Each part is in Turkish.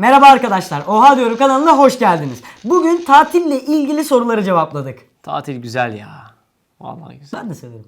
Merhaba arkadaşlar, Oha Diyorum kanalına hoş geldiniz. Bugün tatille ilgili soruları cevapladık. Tatil güzel ya. Vallahi güzel. Ben de severim.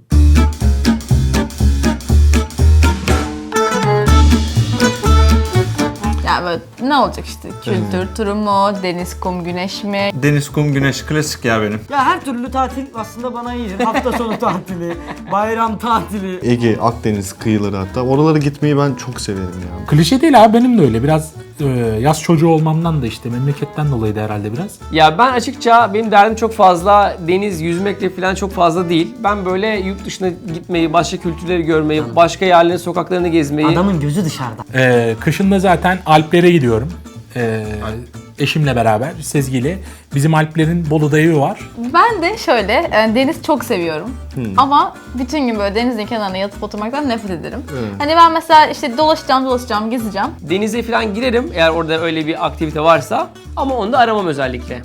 Yani böyle ne olacak işte? Kültür turu mu? Deniz, kum, güneş mi? Deniz, kum, güneş klasik ya benim. Ya her türlü tatil aslında bana iyidir. Hafta sonu tatili, bayram tatili. Ege, Akdeniz kıyıları hatta. Oralara gitmeyi ben çok severim ya. Klişe değil abi, benim de öyle. Biraz yaz çocuğu olmamdan da işte memleketten dolayı da herhalde biraz. Ya ben açıkça benim derdim çok fazla deniz, yüzmekle falan çok fazla değil. Ben böyle yurt dışına gitmeyi, başka kültürleri görmeyi, başka yerlerin sokaklarını gezmeyi. Adamın gözü dışarıda. Kışın da zaten Alplere gidiyorum. Eşimle beraber, Sezgi'yle. Bizim Alplerin Bolu'da evi var. Ben de şöyle, deniz çok seviyorum. Ama bütün gün böyle denizin kenarına yatıp oturmaktan nefret ederim. Hani ben mesela işte dolaşacağım, gezeceğim. Denize falan girerim eğer orada öyle bir aktivite varsa. Ama onu da aramam özellikle.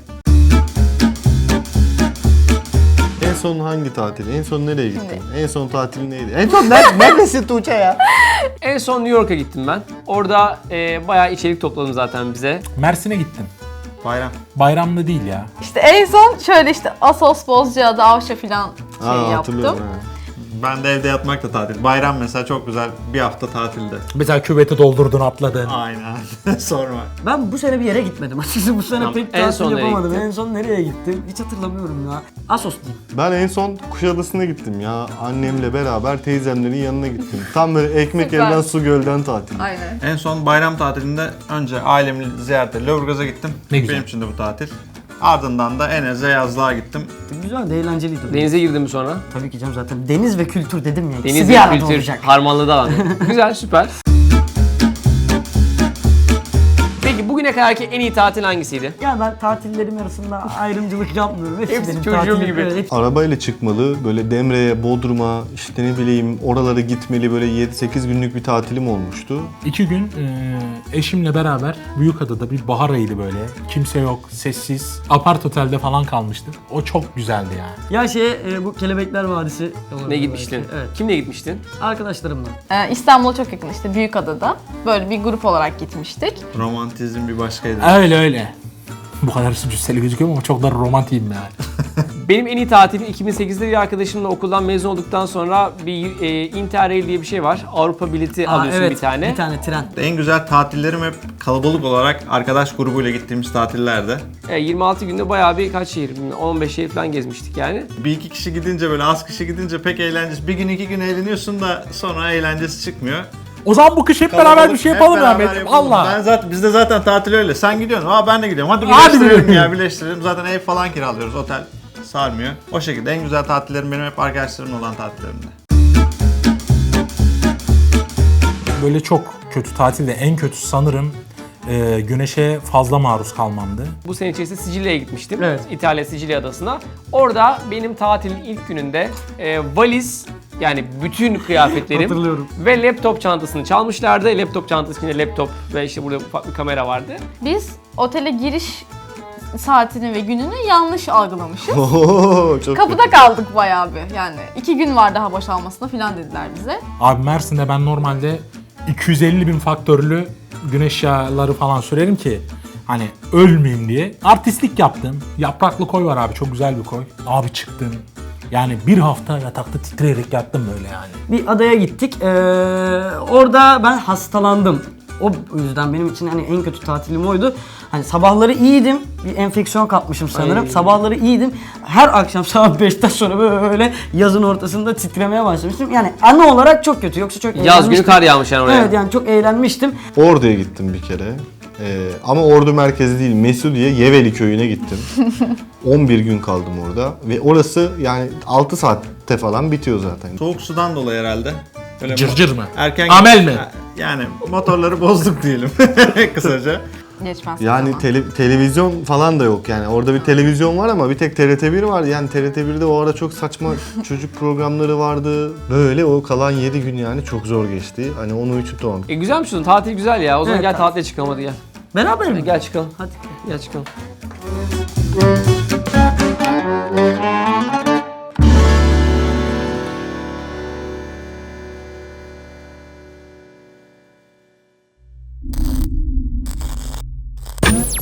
En son hangi tatil? En son nereye gittin? En son tatil neydi? En son neredesin Tuğçe ya? En son New York'a gittim ben. Orada bayağı içerik topladım zaten bize. Mersin'e gittim. Bayram. Bayramlı değil ya. İşte en son şöyle işte Assos, Bozcaada, Avşa falan yaptım. Hatırlıyorum. Ben de evde yatmak da tatil. Bayram mesela çok güzel bir hafta tatilde. Mesela küveti doldurdun, atladın. Aynen. Sorma. Ben bu sene bir yere gitmedim. Açıkçası bu sene Tamam, pek en tatil son nereye yapamadım. gittin? En son nereye gittim? Hiç hatırlamıyorum ya. Assos diyeyim. Ben en son Kuşadası'na gittim ya. Annemle beraber teyzemlerin yanına gittim. Tam böyle ekmek Süper. elden su gölden tatil. Aynen. En son bayram tatilinde önce ailemi ziyarete Lüleburgaz'a gittim. Ne güzel. Benim için de bu tatil. Ardından da Enes'e yazlığa gittim. Güzel de eğlenceliydi. Denize girdim mi sonra? Tabii ki canım, zaten deniz ve kültür dedim ya. İkisi Deniz bir ve arada kültür olacak. harmanladı alanı. Güzel, süper. Peki bugüne kadarki en iyi tatil hangisiydi? Ya ben tatillerim arasında ayrımcılık yapmıyorum. Hepsi Hepsi benim çocuğum tatilim. gibi. Evet, hepsi- Arabayla çıkmalı, böyle Demre'ye, Bodrum'a, işte ne bileyim oralara gitmeli, böyle 7-8 günlük bir tatilim olmuştu. 2 gün eşimle beraber Büyükada'da bir bahar ayıydı böyle. Kimse yok, sessiz. Apart otelde falan kalmıştık. O çok güzeldi yani. Ya bu Kelebekler Vadisi. Ne gitmiştin? belki. Evet. Kimle gitmiştin? Arkadaşlarımla. İstanbul'a çok yakın işte Büyükada'da. Böyle bir grup olarak gitmiştik. Romantizm bir başkaydı. Öyle. Bu kadar cüsseli gözüküyor ama çok da romantiyim yani. Benim en iyi tatilim 2008'de bir arkadaşımla okuldan mezun olduktan sonra bir Interrail diye bir şey var. Avrupa bileti alıyorsun evet, bir tane. Bir tane tren. En güzel tatillerim hep kalabalık olarak arkadaş grubuyla gittiğimiz tatillerde. 26 günde bayağı bir kaç şehir, 15 şehir falan gezmiştik yani. Bir iki kişi gidince böyle az kişi gidince pek eğlencesi. Bir gün iki gün eğleniyorsun da sonra eğlencesi çıkmıyor. O zaman bu kış hep beraber Kalabalık, bir şey hep yapalım ya beraber Ahmetciğim. yapalım. Allah. Bizde zaten tatil öyle. Sen gidiyorsun. Ben de gidiyorum. Hadi Hadi birleştirelim be. ya, birleştirelim. Zaten ev falan kiralıyoruz. Otel sarmıyor. O şekilde en güzel tatillerim benim hep arkadaşlarımla olan tatillerimde. Böyle çok kötü tatilde en kötüsü sanırım güneşe fazla maruz kalmamdı. Bu sene içerisinde Sicilya'ya gitmiştim. Evet. İtalya Sicilya adasına. Orada benim tatilin ilk gününde valiz, yani bütün kıyafetlerim Hatırlıyorum. ve laptop çantasını çalmışlardı. Laptop çantası içinde laptop ve işte burada ufak bir kamera vardı. Biz otele giriş saatini ve gününü yanlış algılamışız. Oho, çok Kapıda kaldık bayağı bir. Yani 2 gün var daha boşalmasına falan dediler bize. Abi Mersin'de ben normalde 250.000 faktörlü güneş yağları falan sürerim ki hani ölmeyeyim diye. Artistlik yaptım. Yapraklı koy var abi, çok güzel bir koy. Abi çıktım. Yani bir hafta yatakta titreyerek yattım böyle yani. Bir adaya gittik. Orada ben hastalandım. O yüzden benim için hani en kötü tatilim oydu. Hani sabahları iyiydim. Bir enfeksiyon kapmışım sanırım. Ay. Sabahları iyiydim. Her akşam saat 5'ten sonra böyle yazın ortasında titremeye başlamıştım. Yani anı olarak çok kötü. Yoksa çok Yaz eğlenmiştim. günü kar yağmış yani oraya. Evet, yani çok eğlenmiştim. Ordu'ya gittim bir kere. Ama Ordu merkezi değil, Mesudiye Yeveli köyüne gittim. 11 gün kaldım orada ve orası yani 6 saatte falan bitiyor zaten. Soğuk sudan dolayı herhalde. Böyle Cırcır mı? Erken Amel mi? Yani motorları bozduk diyelim kısaca. Geçmez Yani zaman. televizyon falan da yok yani. Orada bir televizyon var ama bir tek TRT1 var. Yani TRT1'de o ara çok saçma çocuk programları vardı. Böyle o kalan 7 gün yani çok zor geçti. Hani onu için tamam. Güzelmiş o tatil güzel ya. O zaman Evet, gel tatil. tatile çıkalım hadi gel. Beraber mi? Gel çıkalım. Hadi. Gel çıkalım.